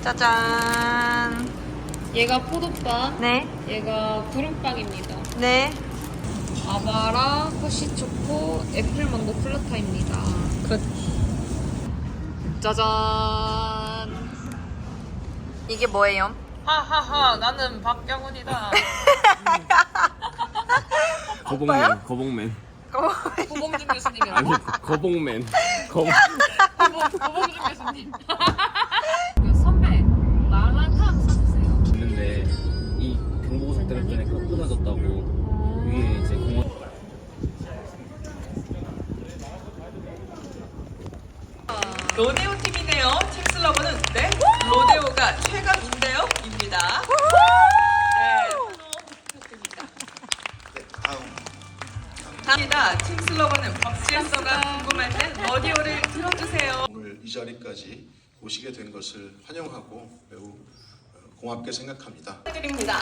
짜잔. 얘가 포도빵, 네. 얘가 구름빵입니다. 네. 아바라, 허쉬초코, 애플망고 플라타입니다. 굿. 짜잔. 이게 뭐예요? 하하하, 나는 박경훈이다. 거봉맨, 거봉맨. 고봉준 교수님이라고? 아니, 거봉맨. 고봉준 교수님. 선배, 마라탕 사주세요. 있는데 이 경보고속 때문에 끊어졌다고 위에 이제 공원. 로데오 팀이네요. 팀 슬로건은 네? 로데오가 최강인데요? 입니다. 다음입니다. 팀 슬로건은 법질서가 궁금할 땐 러디오를 들어주세요. 오늘 이 자리까지 오시게 된 것을 환영하고 매우 고맙게 생각합니다. 드립니다.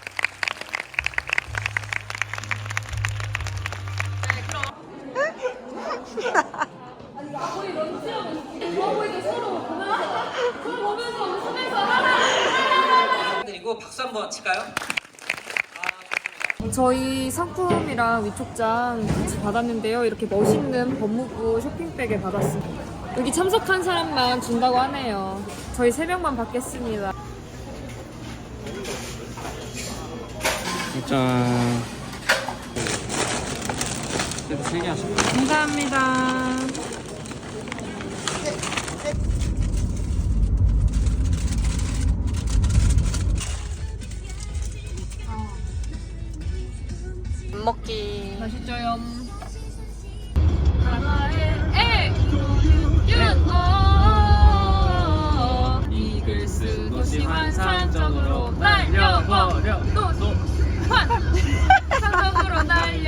네, 그럼. 그리고 박수 한번 칠까요? 저희 상품이랑 위촉장 같이 받았는데요. 이렇게 멋있는 법무부 쇼핑백을 받았습니다. 여기 참석한 사람만 준다고 하네요. 저희 3명만 받겠습니다. 짠. 그래도 3개 하시고. 감사합니다. 밥 먹기. 맛있죠요. 하나의 이글스 도시 환상적으로 날려버려. 도시 환상적으로 날려.